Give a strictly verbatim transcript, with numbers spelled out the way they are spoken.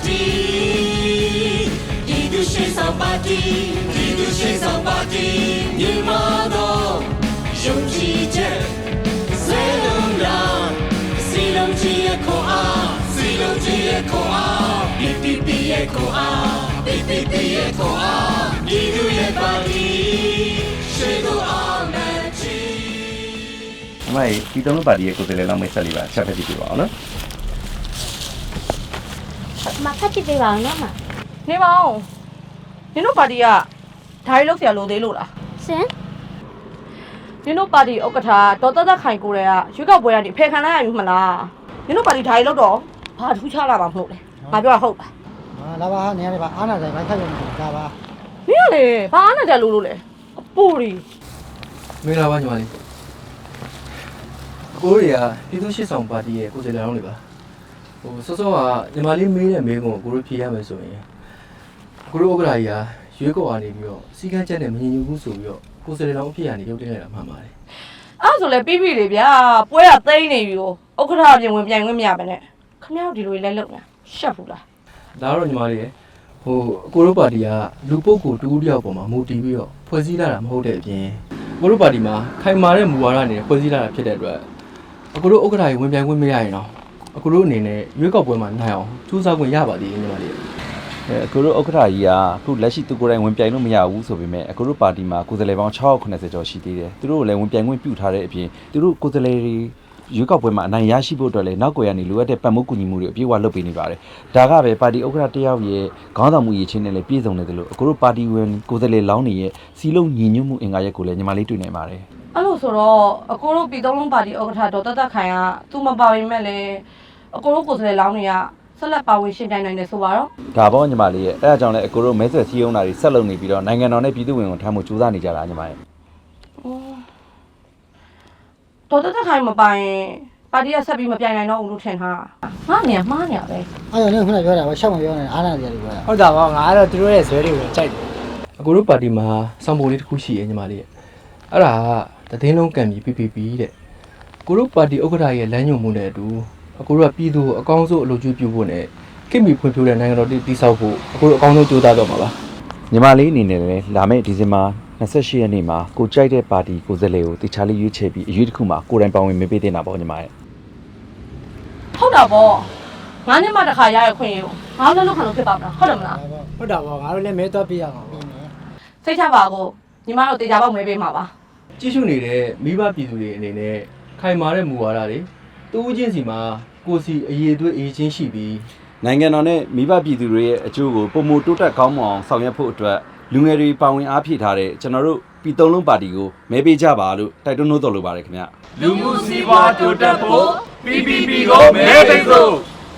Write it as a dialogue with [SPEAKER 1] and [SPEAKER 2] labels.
[SPEAKER 1] တီဒီသူရှိဆောင်ပါတီဒီသူရှိဆောင်ပါတီညီမတို့ယုံကြည်ချက်စေလုံးလားစီလုံးကြီးရဲ့ခေါ်အားစီလုံးကြီးရဲ့ခေါ်အား P P P ရဲ့ခေါ်အား P P P ရဲ့ခေါ်အားဒီသူရဲ့ပါတီရှိကိုအောင်နဲ့ချီ
[SPEAKER 2] အမေဒီတုံးပါတီရဲ့ကိုယ်စားလှယ်လောက်မိတ်ဆက်လေးပါချက်ဖက်ကြည့်ပြပါအောင်နော်
[SPEAKER 3] မဖတ်ကြည့်ပေးပါအောင်နော်မ
[SPEAKER 4] နေပါဦးနင်တို့ပါတီကဓာရီလောက်ဆရာလိုသေးလို့လား
[SPEAKER 3] ရှင်
[SPEAKER 4] နင်တို့ပါတီဥက္ကဋ္ဌဒေါ်သက်သက်ခိုင်ကိုရဲကရွေးကောက်ပွဲကနေဖယ်ခံလိုက်ရပြီမလားနင်တို့ပါတီဓာရီလောက်တော့ဘာထူးခြားလာမှာမဟုတ်လေငါပြောတာဟုတ်လား
[SPEAKER 5] ဟာလာပါနေရပါအားနာတယ်ဘာဆက်ရမှာလာပါ
[SPEAKER 4] မင်းကလေဘာအားနာတယ်လို့လို့လေအပူရီ
[SPEAKER 6] မင်္ဂလာပါညီမလေးအကိုတွေကပြည်သူ့ရှစ်ဆောင်ပါတီရဲ့ကိုယ်စားလှယ်လောင်းတွေပါဟိုစောစောကညီမလေးမေးတဲ့မေးခွန်းကိုကိုတို့ဖြေရမယ်ဆိုရင်ကိုတို့ဥက္ကဋ္ဌကြီးကရွေးကောက်အနေပြီးတော့စီကန်းချက်နဲ့မငြင်းညူဘူးဆိုပြီးတော့ကိုယ်စားလှယ်လောင်းအဖြစ်ကနေရုပ်တင်လိုက်တာမှန်ပါတယ်
[SPEAKER 4] အဲ့ဆိုလေပြီးပြီလေဗျာပွဲကသိမ်းနေပြီကိုဥက္ကဋ္ဌအပြင်ဝင်ပြိုင်ခွင့်မရပါနဲ့ခမရောက်ဒီလိုလိုက်လုပ်နေရှက်ဘူးလား
[SPEAKER 6] ဒါတော့ညီမလေးဟိုအကိုတို့ပါတီကလူပုဂ္ဂိုလ်တူတူတယောက်ပေါ်မှာမူတည်ပြီးတော့ဖွဲ့စည်းလာတာမဟုတ်တဲ့အပြင်အကိုတို့ပါတီမှာခိုင်မာတဲ့မူဝါဒနဲ့ဖွဲ့စည်းလာတာဖြစ်တဲ့အတွက်အကိုတို့ဥက္ကဋ္ဌကြီးဝင်ပြိုင်ခွင့်မရရင်တော့အကိုတို့အနေနဲ့ရွေးကောက်ပွဲမှာနိုင်အောင်စူးစမ်းခွင့်ရပါသေးတယ်ညီမလေး
[SPEAKER 2] အဲအကိုတို့ဥက္ကဋ္ဌကြီးကအခုလက်ရှိသူကိုယ်တိုင်ဝင်ပြိုင်လို့မရဘူးဆိုပေမဲ့အကိုတို့ပါတီမှာကိုယ်စားလှယ်ပေါင်း၆ခုနှစ်ဆယ်ကျော်ရှိသေးတယ်သူတို့လည်းဝင်ပြိုင်ခွင့်ပြုထားတဲ့အပြင်သူတို့ကိုယ်စားလှယ်တွေရွေးကောက်ပွဲမှာအနိုင်ရရှိဖို့အတွက်လည်းနောက်ကွယ်ကနေလိုအပ်တဲ့ပတ်မိုးကူညီမှုတွေအပြည့်အဝလုပ်ပေးနေပါတယ်ဒါကပဲပါတီဥက္ကဋ္ဌတယောက်ရဲ့ခေါင်းဆောင်မှုရည်ချင်းနဲ့လည်းပြည့်စုံနေတယ်လို့အကိုတို့ပါတီဝင်ကိုယ်စားလှယ်လောင်းတွေရဲ့စီလုံးညီညွတ်မှုအင်္ဂါရက်ကိုလည်းညီမလေးတွေ့နိုင်ပါတယ်
[SPEAKER 4] အဲ့လိုဆိုတော့အကိုတို့ပြည်သုံးလုံးပါတီဥက္ကဋ္ဌဒေါ်သက်သက်ခိုင်ကသူ့မပါဝင်မဲ့လေအကိုတို့ကိုယ်စားလှယ်လောင်းတွေကဆက်လက်ပါဝင်ရှင်းပြနိုင်တယ်ဆိုပါတော့
[SPEAKER 2] ဒါပေါ့ညီမလေးရဲ့အဲအကြောင်းလည်းအကိုတို့မဲဆွယ်စည်းရုံးတာတွေဆက်လုပ်နေပြီးတော့နိုင်ငံတော်နဲ့ပြည်သူ့ဝင်ကိုထမ်းဖို့ကြိုးစားနေကြတာညီမရဲ့
[SPEAKER 4] ဒေါ်သက်သက်ခိုင်မပိုင်ပါတီကဆက်ပြီးမပြိုင်နိုင်တော့ဘူးလို့ထင်ထားငါနေရမှားနေရပဲ
[SPEAKER 5] အဲ့တော့လည်းခုနပြောတာပဲရှောက်မပြောနဲ့အားနာတယ်လို့ပြောတာ
[SPEAKER 7] ဟုတ်တာပေါ့ငါကတော့သူတို့ရဲ့ဇွဲတွေကိုကြိုက်တယ်
[SPEAKER 6] အကိုတို့ပါတီမှာစောင့်ပုံလေးတစ်ခုရှိရဲ့ညီမလေးရဲ့အဲ့ဒါကသတင်းလုံးကံပြီး P P P တဲ့ကိုတို့ပါတီဥက္ကဋ္ဌရဲ့လမ်းညွှန်မှုနဲ့အတူအကိုတို့ကပြည်သူအကောင်းဆုံးအလုပ်ကျွေးပြုဖို့နဲ့ခင်မီဖွံ့ဖြိုးတဲ့နိုင်ငံတော်တည်တည်ဆောက်ဖို့အကိုတို့အကောင်းဆုံးကြိုးစားတော့မှာပါ
[SPEAKER 2] ညီမလေးအနေနဲ့လည်းလာမယ့်ဒီဇင်ဘာ၂၈ရက်နေ့မှာကိုကြိုက်တဲ့ပါတီကိုယ်စားလှယ်ကိုတခြားလေးရွေးချယ်ပြီးအရေးတစ်ခုမှာကိုယ်တိုင်ပါဝင်မပေးတင်တာပေါ့ညီမရဲ့
[SPEAKER 4] ဟုတ်တာပေါ့ငါနဲ့မှတစ်ခါရရခွင့်ရငါလည်းလောက်ခံလို့ဖြစ်ပါမလားဟုတ်တယ်မလား
[SPEAKER 7] ဟုတ်တာပေါ့ငါတို့လည်းမဲတော့ပြရအောင်
[SPEAKER 4] စိတ်ချပါကိုညီမတို့တေချာပေါက်မဲပေးမှာပါ
[SPEAKER 6] ကြည့်ရှုနေတဲ့မိဘပြည်သူတွေအနေနဲ့ခိုင်မာတဲ့မူဝါဒတွေတူးချင်းစီမှာကိုစီအရေးအသွေးအေးချင်းရှိပြီး
[SPEAKER 2] နိုင်ငံတော်နဲ့မိဘပြည်သူတွေရဲ့အကျိုးကိုပုံမတိုးတက်ကောင်းမွန်အောင်ဆောင်ရွက်ဖို့အတွက်လူငယ်တွေပါဝင်အားဖြည့်ထားတဲ့ကျွန်တော်တို့ပြည်သုံးလုံးပါတီကိုမဲပေးကြပါလို့တိုက်တွန်းလို့တော်လိုပါတယ်ခင်ဗျ
[SPEAKER 1] လူမှုစီးပွားတိုးတက်ဖို့ P P P ကိုမဲပေးစို့